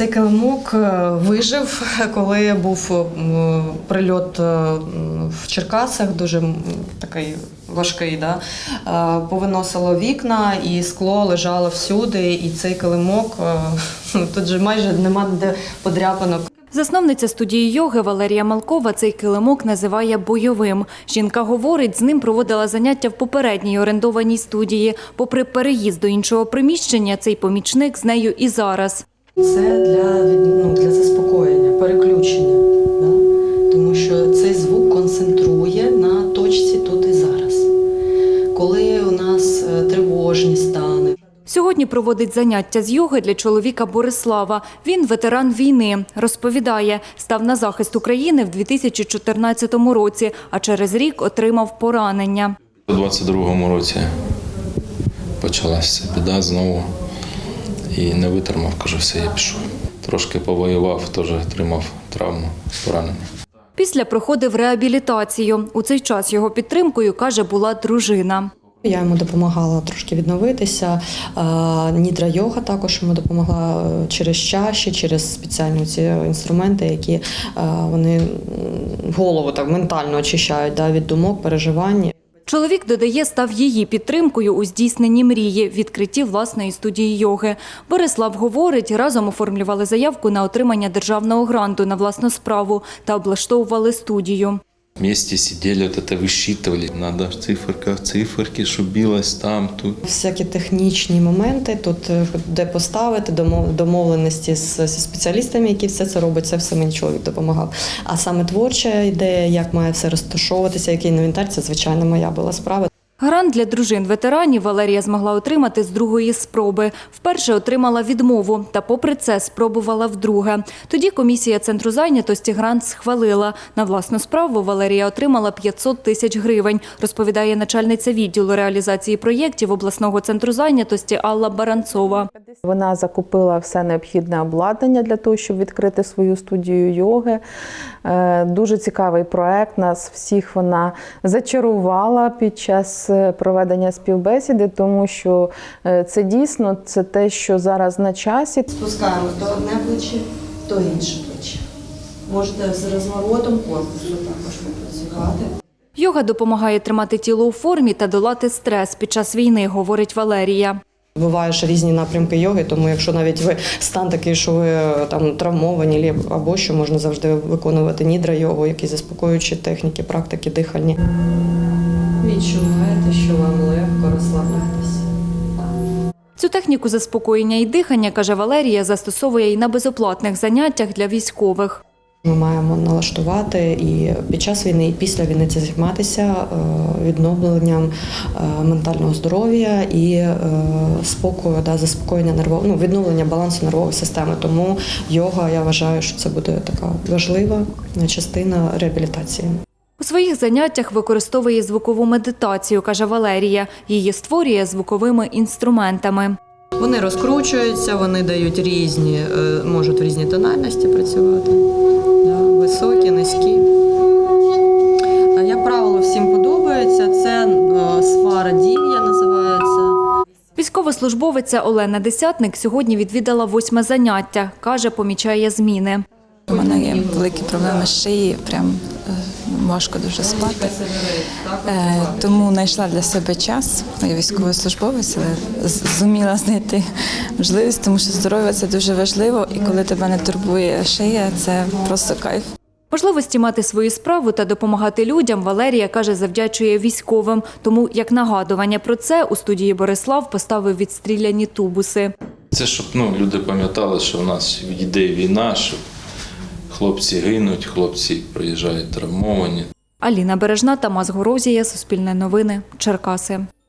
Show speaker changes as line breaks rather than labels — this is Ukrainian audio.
Цей килимок вижив, коли був прильот в Черкасах, дуже такий важкий. Да? Повиносило вікна і скло лежало всюди, і цей килимок, тут же майже нема де подряпинок.
Засновниця студії йоги Валерія Малкова цей килимок називає бойовим. Жінка говорить, з ним проводила заняття в попередній орендованій студії. Попри переїзд до іншого приміщення, цей помічник з нею і зараз.
Це для заспокоєння, переключення, да? Тому що цей звук концентрує на точці тут і зараз. Коли у нас тривожні стани.
Сьогодні проводить заняття з йоги для чоловіка Борислава. Він ветеран війни. Розповідає, став на захист України в 2014 році, а через рік отримав поранення.
У 2022 році почалася біда знову і не витримав, кажу, все, я пішов. Трошки повоював, теж отримав травму, поранення.
Після проходив реабілітацію. У цей час його підтримкою, каже, була дружина.
Я йому допомагала трошки відновитися. Нідра-йога також йому допомогла через чаші, через спеціальні ці інструменти, які вони голову так ментально очищають від думок, переживань.
Чоловік, додає, став її підтримкою у здійсненні мрії – відкритті власної студії йоги. Борислав говорить, разом оформлювали заявку на отримання державного гранту на власну справу та облаштовували студію.
Вместе сидели, высчитывали. Надо в циферках, циферки, щоб білось там, тут.
Всякі технічні моменти, тут де поставити, домовленості з спеціалістами, які все це роблять, це все мені чоловік допомагав. А саме творча ідея, як має все розташовуватися, який інвентар, це, звичайно, моя була справа.
Грант для дружин-ветеранів Валерія змогла отримати з другої спроби. Вперше отримала відмову, та попри це спробувала вдруге. Тоді комісія Центру зайнятості грант схвалила. На власну справу Валерія отримала 500 тисяч гривень, розповідає начальниця відділу реалізації проєктів обласного центру зайнятості Алла Баранцова.
Вона закупила все необхідне обладнання для того, щоб відкрити свою студію йоги. Дуже цікавий проект, нас всіх вона зачарувала під час проведення співбесіди, тому що це дійсно те, що зараз на часі.
Спускаємо то одне плече, то інше плече. Можете з розворотом корпусу також попрацювати.
Йога допомагає тримати тіло у формі та долати стрес під час війни, говорить Валерія.
Бувають ж різні напрямки йоги, тому якщо навіть ви стан такий, що ви там травмовані або що, можна завжди виконувати нідра-йогу, якісь заспокоюючі техніки, практики дихальні. Відчуваєте, що вам легко розслабляєтесь.
Цю техніку заспокоєння і дихання, каже Валерія, застосовує і на безоплатних заняттях для військових.
Ми маємо налаштувати і під час війни, і після війни це займатися відновленням ментального здоров'я і спокою, заспокоєння відновлення балансу нервової системи. Тому йога, я вважаю, що це буде така важлива частина реабілітації.
У своїх заняттях використовує звукову медитацію, каже Валерія. Її створює звуковими інструментами.
Вони розкручуються, вони дають можуть в різні тональності працювати. Високі, низькі. Як правило, всім подобається. Це сфара дів'я називається.
Військовослужбовиця Олена Десятник сьогодні відвідала 8-ме заняття. Каже, помічає зміни.
У мене є великі проблеми з шиї, прям важко дуже спати. Тому знайшла для себе час. Я військовослужбовець, але зуміла знайти можливість, тому що здоров'я – це дуже важливо. І коли тебе не турбує шия, це просто кайф.
Можливості мати свою справу та допомагати людям Валерія, каже, завдячує військовим. Тому, як нагадування про це, у студії Борислав поставив відстріляні тубуси.
Це щоб люди пам'ятали, що в нас йде війна, що хлопці гинуть, хлопці приїжджають травмовані.
Аліна Бережна, Тамас Горозія, Суспільне новини, Черкаси.